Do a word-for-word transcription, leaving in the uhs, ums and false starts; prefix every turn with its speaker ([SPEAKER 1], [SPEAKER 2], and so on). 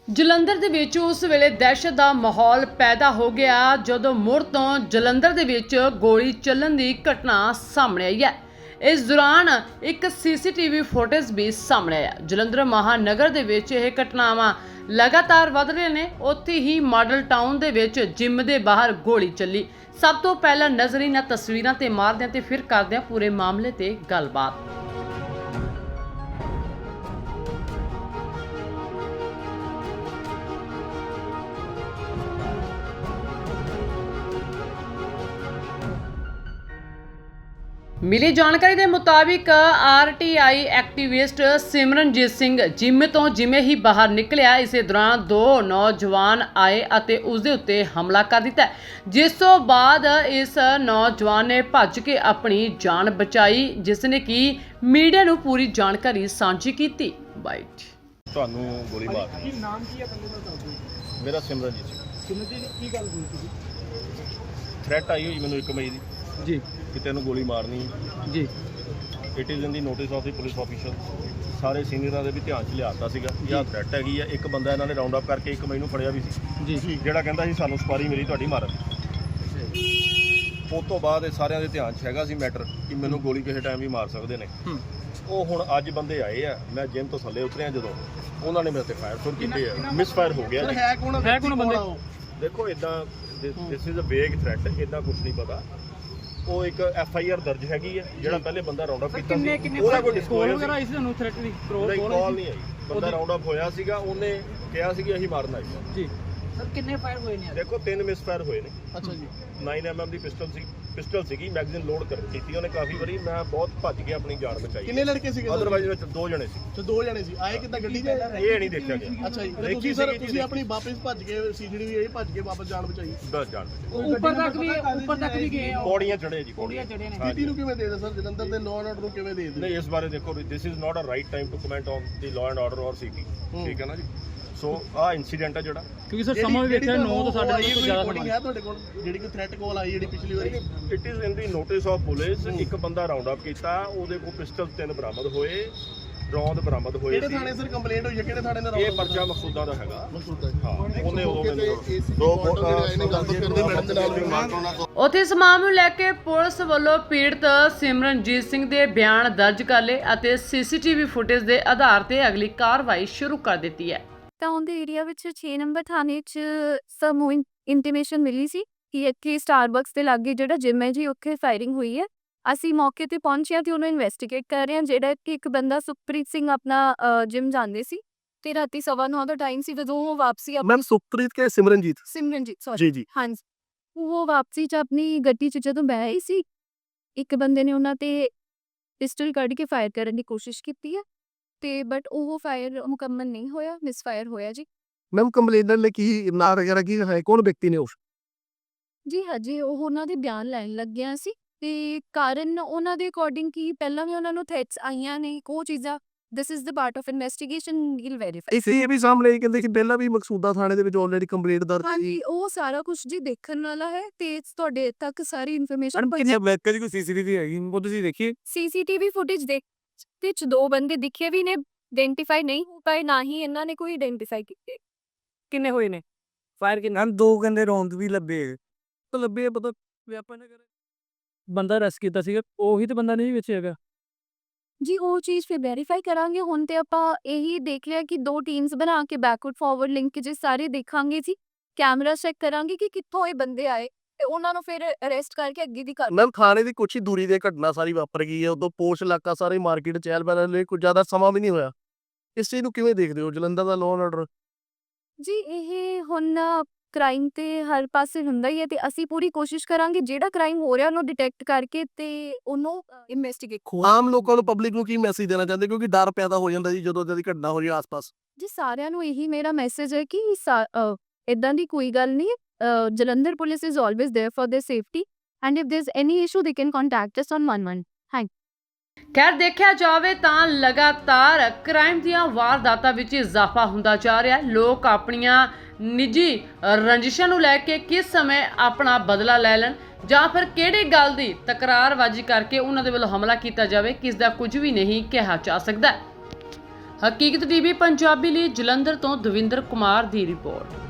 [SPEAKER 1] ਜਲੰਧਰ ਦੇ ਵਿੱਚ ਉਸ ਵੇਲੇ ਦਹਿਸ਼ਤ ਦਾ ਮਾਹੌਲ ਪੈਦਾ ਹੋ ਗਿਆ ਜਦੋਂ ਮੁੜ ਤੋਂ ਜਲੰਧਰ ਦੇ ਵਿੱਚ ਗੋਲੀ ਚੱਲਣ ਦੀ ਘਟਨਾ ਸਾਹਮਣੇ ਆਈ ਹੈ। ਇਸ ਦੌਰਾਨ ਇੱਕ ਸੀਸੀਟੀਵੀ ਫੁਟੇਜ ਵੀ ਸਾਹਮਣੇ ਆਇਆ। ਜਲੰਧਰ ਮਹਾਨਗਰ ਦੇ ਵਿੱਚ ਇਹ ਘਟਨਾਵਾਂ ਲਗਾਤਾਰ ਵਧ ਰਹੀਆਂ ਨੇ। ਉੱਥੇ ਹੀ ਮਾਡਲ ਟਾਊਨ ਦੇ ਵਿੱਚ ਜਿਮ ਦੇ ਬਾਹਰ ਗੋਲੀ ਚੱਲੀ। ਸਭ ਤੋਂ ਪਹਿਲਾਂ ਨਜ਼ਰ ਇਹਨਾਂ ਤਸਵੀਰਾਂ ਤੇ ਮਾਰਦੇ ਹਾਂ ਤੇ ਫਿਰ ਕਰਦੇ ਹਾਂ ਪੂਰੇ ਮਾਮਲੇ ਤੇ ਗੱਲਬਾਤ। ਮਿਲੀ ਜਾਣਕਾਰੀ ਦੇ ਮੁਤਾਬਿਕ RTI activist Simranjeet Singh gym ਤੋਂ ਜਿਵੇਂ ਹੀ ਬਾਹਰ ਨਿਕਲਿਆ, ਇਸੇ ਦੌਰਾਨ ਦੋ ਨੌਜਵਾਨ ਆਏ ਅਤੇ ਉਸ ਦੇ ਉੱਤੇ ਹਮਲਾ ਕਰ ਦਿੱਤਾ, ਜਿਸ ਤੋਂ ਬਾਅਦ ਇਸ ਨੌਜਵਾਨ ਨੇ ਭੱਜ ਕੇ ਆਪਣੀ ਜਾਨ ਬਚਾਈ, ਜਿਸ ਨੇ ਕਿ ਮੀਡੀਆ ਨੂੰ ਪੂਰੀ ਜਾਣਕਾਰੀ ਸਾਂਝੀ ਕੀਤੀ। ਬਾਈਟ
[SPEAKER 2] ਤੁਹਾਨੂੰ ਗੋਲੀ ਮਾਰ
[SPEAKER 3] ਕੀ ਨਾਮ ਕੀ ਹੈ ਬੰਦੇ ਦਾ ਦੱਸ ਦਿਓ।
[SPEAKER 2] ਮੇਰਾ ਸਿਮਰਨਜੀਤ ਸਿੰਘ।
[SPEAKER 3] ਸਿਮਰਨਜੀਤ ਜੀ ਕੀ ਗੱਲ ਹੋਈ ਸੀ?
[SPEAKER 2] ਥ੍ਰੈਟ ਆਈ ਹੋਈ ਮੈਨੂੰ ਇੱਕ ਮਈ ਦੀ
[SPEAKER 3] ਜੀ
[SPEAKER 2] ਕਿ ਤੈਨੂੰ ਗੋਲੀ ਮਾਰਨੀ।
[SPEAKER 3] ਜੀ
[SPEAKER 2] it is in the notice of the police officer. ਸਾਰੇ ਸੀਨੀਅਰਾਂ ਦੇ ਵੀ ਧਿਆਨ 'ਚ ਲਿਆਤਾ ਸੀਗਾ ਕਿ ਆਹ ਥ੍ਰੈਟ ਹੈਗੀ ਆ। ਇੱਕ ਬੰਦਾ ਇਹਨਾਂ ਨੇ ਰਾਉਂਡ ਅਪ ਕਰਕੇ ਇੱਕ ਮਈ ਨੂੰ ਫੜਿਆ ਵੀ ਸੀ
[SPEAKER 3] ਜੀ
[SPEAKER 2] ਜਿਹੜਾ ਕਹਿੰਦਾ ਸੀ ਸਾਨੂੰ ਸਪਾਰੀ ਮਿਲੀ ਤੁਹਾਡੀ ਮਾਰਨ। ਉਸ ਤੋਂ ਬਾਅਦ ਇਹ ਸਾਰਿਆਂ ਦੇ ਧਿਆਨ 'ਚ ਹੈਗਾ ਸੀ ਮੈਟਰ ਕਿ ਮੈਨੂੰ ਗੋਲੀ ਕਿਸੇ ਟਾਈਮ ਵੀ ਮਾਰ ਸਕਦੇ ਨੇ। ਉਹ ਹੁਣ ਅੱਜ ਬੰਦੇ ਆਏ ਆ, ਮੈਂ ਜਿਮ ਤੋਂ ਥੱਲੇ ਉਤਰਿਆ ਜਦੋਂ ਉਹਨਾਂ ਨੇ ਮੇਰੇ ਤੇ ਫਾਇਰ ਸ਼ੁਰੂ ਕੀਤੇ ਆ। ਮਿਸ ਫਾਇਰ ਹੋ ਗਿਆ ਜੀ।
[SPEAKER 3] ਹੈ ਕੌਣ ਹੈ ਕੌਣ ਬੰਦੇ?
[SPEAKER 2] ਦੇਖੋ ਇਦਾਂ ਦਿਸ ਇਜ਼ ਅ ਵੇਗ ਥ੍ਰੈਟ, ਇਦਾਂ ਕੁਝ ਨਹੀਂ ਪਤਾ। ਉਹ ਇੱਕ ਐਫ ਆਈ ਆਰ ਦਰਜ ਹੈਗੀ ਹੈ ਜਿਹੜਾ ਪਹਿਲੇ ਬੰਦਾ ਰਾਉਂਡ ਅਪ ਕੀਤਾ ਸੀ। ਉਹਦਾ ਕੋਈ ਡਿਸਕਲੋਜ਼ਰ ਵਗੈਰਾ
[SPEAKER 3] ਇਸ ਨੂੰ ਥ੍ਰੈਟ ਦੀ
[SPEAKER 2] ਕਾਲ ਨਹੀਂ ਆਈ। ਬੰਦਾ ਰਾਉਂਡ ਅਪ ਹੋਇਆ ਸੀਗਾ, ਉਹਨੇ ਕਿਹਾ ਸੀ ਕਿ ਅਸੀਂ ਮਾਰਨ ਆਏ ਹਾਂ
[SPEAKER 3] ਜੀ। ਸਰ ਕਿੰਨੇ ਫਾਇਰ ਹੋਏ ਨੇ?
[SPEAKER 2] ਦੇਖੋ ਤਿੰਨ ਮਿਸ ਫਾਇਰ ਹੋਏ ਨੇ।
[SPEAKER 3] ਅੱਛਾ ਜੀ।
[SPEAKER 2] ਨਾਈਨ ਐਮ ਐਮ ਦੀ ਪਿਸਟਲ ਸੀ ਪਿਸਟਲ ਸੀਗੀ ਮੈਗਜ਼ੀਨ ਲੋਡ ਕਰ ਕੀਤੀ ਉਹਨੇ ਕਾਫੀ ਵਾਰੀ। ਮੈਂ ਬਹੁਤ ਭੱਜ ਕੇ ਆਪਣੀ ਜਾਨ ਬਚਾਈ।
[SPEAKER 3] ਕਿੰਨੇ ਲੜਕੇ ਸੀਗੇ?
[SPEAKER 2] ਅਦਰਵਾਈਜ਼ ਵਿੱਚ ਦੋ ਜਣੇ ਸੀ।
[SPEAKER 3] ਤੇ ਦੋ ਜਣੇ ਸੀ। ਆਏ ਕਿੱਦਾਂ ਗੱਡੀ ਤੇ?
[SPEAKER 2] ਇਹ ਨਹੀਂ ਦੇਖਿਆ ਗਿਆ।
[SPEAKER 3] ਅੱਛਾ ਜੀ। ਤੁਸੀਂ ਸਰ ਤੁਸੀਂ ਆਪਣੀ ਵਾਪਸ ਭੱਜ ਕੇ ਸੀਜੜੀ ਵੀ ਭੱਜ ਕੇ ਵਾਪਸ ਜਾਨ ਬਚਾਈ।
[SPEAKER 2] ਬਸ ਜਾਨ
[SPEAKER 3] ਉੱਪਰ ਤੱਕ ਵੀ ਉੱਪਰ ਤੱਕ ਵੀ ਗਏ ਆ।
[SPEAKER 2] ਪੌੜੀਆਂ ਚੜੇ ਜੀ।
[SPEAKER 3] ਪੌੜੀਆਂ ਚੜੇ ਨੇ। ਸਥਿਤੀ ਨੂੰ ਕਿਵੇਂ ਦੇਖਦੇ ਸਰ? ਜਲੰਧਰ ਦੇ ਲਾਅ ਐਂਡ ਆਰਡਰ ਨੂੰ ਕਿਵੇਂ ਦੇਖਦੇ?
[SPEAKER 2] ਨਹੀਂ ਇਸ ਬਾਰੇ ਦੇਖੋ this is not a right time to comment on the law and order or CP. ਠੀਕ ਹੈ ਨਾ ਜੀ। ਸੋ ਆਹ ਇਨਸੀਡੈਂਟ ਹੈ ਜਿਹੜਾ
[SPEAKER 3] ਕਿਉਂਕਿ ਸਰ ਸਮਾਂ ਵੀ ਵੇਖਿਆ ਨੌ ਤੋਂ ਸਾਡੇ ਤੋਂ ਜ਼ਿਆਦਾ ਬਣੀ ਹੈ ਤੁਹਾਡੇ ਕੋਲ ਜਿਹੜੀ ਕੋਈ ਥ੍ਰੈਟ ਕਾਲ ਆਈ ਜਿਹੜੀ ਪਿਛਲੀ ਵਾਰੀ।
[SPEAKER 2] It is in the notice of police. ਇੱਕ ਬੰਦਾ ਰਾਉਂਡ ਅਪ ਕੀਤਾ, ਉਹਦੇ ਕੋਲ ਪਿਸਟਲ ਤਿੰਨ ਬਰਾਮਦ ਹੋਏ, ਰੌਂਦ ਬਰਾਮਦ ਹੋਏ ਸੀ।
[SPEAKER 3] ਕਿਹੜੇ ਥਾਣੇ ਸਰ ਕੰਪਲੇਂਟ ਹੋਈ ਹੈ? ਕਿਹੜੇ ਥਾਣੇ ਦਾ?
[SPEAKER 2] ਇਹ ਪਰਚਾ ਮਕਸੂਦਾਂ ਦਾ ਹੈਗਾ। ਹਾਂ ਉਹਨੇ ਉਦੋਂ ਮੈਨੂੰ ਦੋ
[SPEAKER 1] ਉੱਥੇ ਇਸ ਮਾਮਲੇ ਨੂੰ ਲੈ ਕੇ ਪੁਲਿਸ ਵੱਲੋਂ ਪੀੜਤ ਸਿਮਰਨਜੀਤ ਸਿੰਘ ਦੇ ਬਿਆਨ ਦਰਜ ਕਰ ਲਏ ਅਤੇ ਸੀਸੀਟੀਵੀ ਫੁਟੇਜ ਦੇ ਆਧਾਰ ਤੇ ਅਗਲੀ ਕਾਰਵਾਈ ਸ਼ੁਰੂ ਕਰ ਦਿੱਤੀ ਹੈ।
[SPEAKER 4] ਟਾਊਨ ਦੇ ਏਰੀਆ ਵਿੱਚ ਛੇ ਨੰਬਰ ਥਾਣੇ 'ਚ ਸਾਨੂੰ ਇੰਟੀਮੇਸ਼ਨ ਮਿਲੀ ਸੀ ਕਿ ਇੱਥੇ ਸਟਾਰਬਕਸ ਦੇ ਲਾਗੇ ਜਿਹੜਾ ਜਿਮ ਹੈ ਜੀ ਉੱਥੇ ਫਾਇਰਿੰਗ ਹੋਈ ਹੈ। ਅਸੀਂ ਮੌਕੇ ਤੇ ਪਹੁੰਚੇ ਹਾਂ ਤੇ ਉਹਨੂੰ ਇਨਵੈਸਟੀਗੇਟ ਕਰ ਰਹੇ ਹਾਂ। ਜਿਹੜਾ ਕਿ ਇੱਕ ਬੰਦਾ ਸੁਖਪ੍ਰੀਤ ਸਿੰਘ ਆਪਣਾ ਜਿਮ ਜਾਂਦੇ ਸੀ ਤੇ ਰਾਤੀ ਸਵਾ ਨੌ ਦਾ ਟਾਈਮ ਸੀ ਜਦੋਂ ਉਹ ਵਾਪਸੀ
[SPEAKER 5] मैम सुखप्रीत के सिमरनजीत
[SPEAKER 4] ਸਿਮਰਨਜੀਤ ਸੌਰੀ
[SPEAKER 5] जी जी
[SPEAKER 4] ਹਾਂਜੀ ਉਹ ਵਾਪਸੀ 'ਚ ਆਪਣੀ ਗੱਡੀ 'ਚ ਜਦੋਂ ਬਹਿ ਰਹੀ ਸੀ, ਇੱਕ ਬੰਦੇ ਨੇ ਉਹਨਾਂ ਤੇ ਪਿਸਟਲ ਕੱਢ ਕੇ ਫਾਇਰ ਕਰਨ ਦੀ ਕੋਸ਼ਿਸ਼ ਕੀਤੀ ਹੈ ਤੇ ਬਟ ਉਹ ਫਾਇਰ ਮੁਕੰਮਲ ਨਹੀਂ ਹੋਇਆ, ਮਿਸ ਫਾਇਰ ਹੋਇਆ ਜੀ।
[SPEAKER 5] मैम कंप्लेनर ने की ना वगैरह की है कौन व्यक्ति ने उस
[SPEAKER 4] ਜੀ ਹਜੇ ਉਹ ਉਹਨਾਂ ਦੇ ਬਿਆਨ ਲੈਣ ਲੱਗਿਆ ਸੀ ਤੇ ਕਾਰਨ ਉਹਨਾਂ ਦੇ ਅਕੋਰਡਿੰਗ ਕੀ ਪਹਿਲਾਂ ਵੀ ਉਹਨਾਂ ਨੂੰ ਥ੍ਰੈਟਸ ਆਈਆਂ ਨੇ ਉਹ ਚੀਜ਼ਾਂ। This is the part of investigation, we'll verify.
[SPEAKER 5] इसे ये भी सामने कहते कि पहला भी मकसूदा थाने ਦੇ ਵਿੱਚ ਆਲਰੇਡੀ ਕੰਪਲੀਟ ਦਰਜ
[SPEAKER 4] ਹਾਂਜੀ ਉਹ ਸਾਰਾ ਕੁਝ ਜੀ ਦੇਖਣ ਵਾਲਾ ਹੈ ਤੇ ਤੁਹਾਡੇ ਤੱਕ ਸਾਰੀ ਇਨਫੋਰਮੇਸ਼ਨ
[SPEAKER 5] ਕਿੰਨੇ ਵੈਕ ਦੀ ਕੋਈ ਸੀਸੀਟੀਵੀ ਹੈਗੀ ਉਹ ਤੁਸੀਂ ਦੇਖੀਏ।
[SPEAKER 4] ਸੀਸੀਟੀਵੀ ਫੁਟੇਜ ਦੇਖ ਤੇ ਚ ਦੋ ਬੰਦੇ ਦਿਖੇ ਵੀ ਨੇ, ਆਇਡੈਂਟੀਫਾਈ ਨਹੀਂ ਹੋ ਪਾਏ, ਨਾ ਹੀ ਇਹਨਾਂ ਨੇ ਕੋਈ ਆਇਡੈਂਟੀਫਾਈ ਕੀਤੇ।
[SPEAKER 5] ਕਿੰਨੇ ਹੋਏ ਨੇ ਫਾਇਰ ਕਿੰਨਾ? ਦੋ ਕਹਿੰਦੇ ਰੌਂਦ ਵੀ ਲੱਭੇ ਤਾਂ ਲੱਭੇ ਪਤਾ ਵਿਆਪਨ ਨਾ ਕਰੇ ਬੰਦਾ ਰੈਸ ਕੀਤਾ ਸੀਗਾ ਉਹੀ ਤੇ ਬੰਦਾ ਨਹੀਂ ਵਿੱਚ ਹੈਗਾ
[SPEAKER 4] ਜੀ ਉਹ ਚੀਜ਼ ਫਿਰ ਵੈਰੀਫਾਈ ਕਰਾਂਗੇ। ਹੁਣ ਤੇ ਆਪਾਂ ਇਹੀ ਦੇਖ ਲਿਆ ਕਿ ਦੋ ਟੀਮਸ ਬਣਾ ਕੇ ਬੈਕਵਰਡ ਫਾਰਵਰਡ ਲਿੰਕੇजेस ਸਾਰੇ ਦੇਖਾਂਗੇ ਜੀ, ਕੈਮਰਾ ਚੈੱਕ ਕਰਾਂਗੇ ਕਿ ਕਿੱਥੋਂ ਇਹ ਬੰਦੇ ਆਏ ਤੇ ਉਹਨਾਂ ਨੂੰ ਫਿਰ ਅਰੈਸਟ ਕਰਕੇ ਅੱਗੇ ਦੀ ਕਰ।
[SPEAKER 5] ਮੈਮ ਥਾਣੇ ਦੀ ਕੁਛ ਹੀ ਦੂਰੀ ਤੇ ਘਟਨਾ ਸਾਰੀ ਵਾਪਰ ਗਈ ਹੈ। ਉਦੋਂ ਪੋਸ਼ ਇਲਾਕਾ ਸਾਰੇ ਮਾਰਕੀਟ ਚਹਿਲ ਪਹਿਲ ਲਈ ਕੁਝ ਜ਼ਿਆਦਾ ਸਮਾਂ ਵੀ ਨਹੀਂ ਹੋਇਆ। ਇਸ ਚੀਜ਼ ਨੂੰ ਕਿਵੇਂ ਦੇਖਦੇ ਹੋ ਜਲੰਧਰ ਦਾ ਲਾਅ ਐਂਡ ਆਰਡਰ?
[SPEAKER 4] ਜੀ ਇਹ ਹੁਣ ਕ੍ਰਾਈਮ ਤੇ ਹਰ ਪਾਸੇ ਹੁੰਦਾ ਹੀ ਹੈ ਤੇ ਅਸੀਂ ਪੂਰੀ ਕੋਸ਼ਿਸ਼ ਕਰਾਂਗੇ ਜਿਹੜਾ ਕ੍ਰਾਈਮ ਹੋ ਰਿਹਾ ਉਹਨੂੰ ਡਿਟੈਕਟ ਕਰਕੇ ਤੇ ਉਹਨੂੰ ਇਨਵੈਸਟੀਗੇਟ।
[SPEAKER 5] ਆਮ ਲੋਕਾਂ ਨੂੰ ਪਬਲਿਕ ਨੂੰ ਕੀ ਮੈਸੇਜ ਦੇਣਾ ਚਾਹੁੰਦੇ ਕਿਉਂਕਿ ਡਰ ਪੈਦਾ ਹੋ ਜਾਂਦਾ ਜੀ ਜਦੋਂ ਦੀ ਘਟਨਾ ਹੋ ਰਹੀ ਆਸ-ਪਾਸ?
[SPEAKER 4] ਜੀ ਸਾਰਿਆਂ ਨੂੰ ਇਹੀ ਮੇਰਾ ਮੈਸੇਜ ਹੈ ਕਿ ਇਦਾਂ ਦੀ ਕੋਈ ਗੱਲ ਨਹੀਂ। Jalandhar police is always there for their safety and if there is any issue they can contact us on one one। Thank
[SPEAKER 1] ਖੈਰ ਦੇਖਿਆ ਜਾਵੇ ਤਾਂ ਲਗਾਤਾਰ ਕ੍ਰਾਈਮ ਦੀਆਂ ਵਾਰਦਾਤਾਂ ਵਿੱਚ ਇਜ਼ਾਫਾ ਹੁੰਦਾ ਜਾ ਰਿਹਾ ਹੈ। ਲੋਕ ਆਪਣੀਆਂ ਨਿੱਜੀ ਰੰਜਿਸ਼ਾਂ ਨੂੰ ਲੈ ਕੇ ਕਿਸ ਸਮੇਂ ਆਪਣਾ ਬਦਲਾ ਲੈ ਲੈਣ ਜਾਂ ਫਿਰ ਕਿਹੜੀ ਗੱਲ ਦੀ ਤਕਰਾਰਬਾਜ਼ੀ ਕਰਕੇ ਉਹਨਾਂ ਦੇ ਵੱਲੋਂ ਹਮਲਾ ਕੀਤਾ ਜਾਵੇ, ਕਿਸ ਦਾ ਕੁਝ ਵੀ ਨਹੀਂ ਕਿਹਾ ਜਾ ਸਕਦਾ। ਹਕੀਕਤ ਟੀਵੀ ਪੰਜਾਬੀ ਲਈ ਜਲੰਧਰ ਤੋਂ ਦਵਿੰਦਰ ਕੁਮਾਰ ਦੀ ਰਿਪੋਰਟ।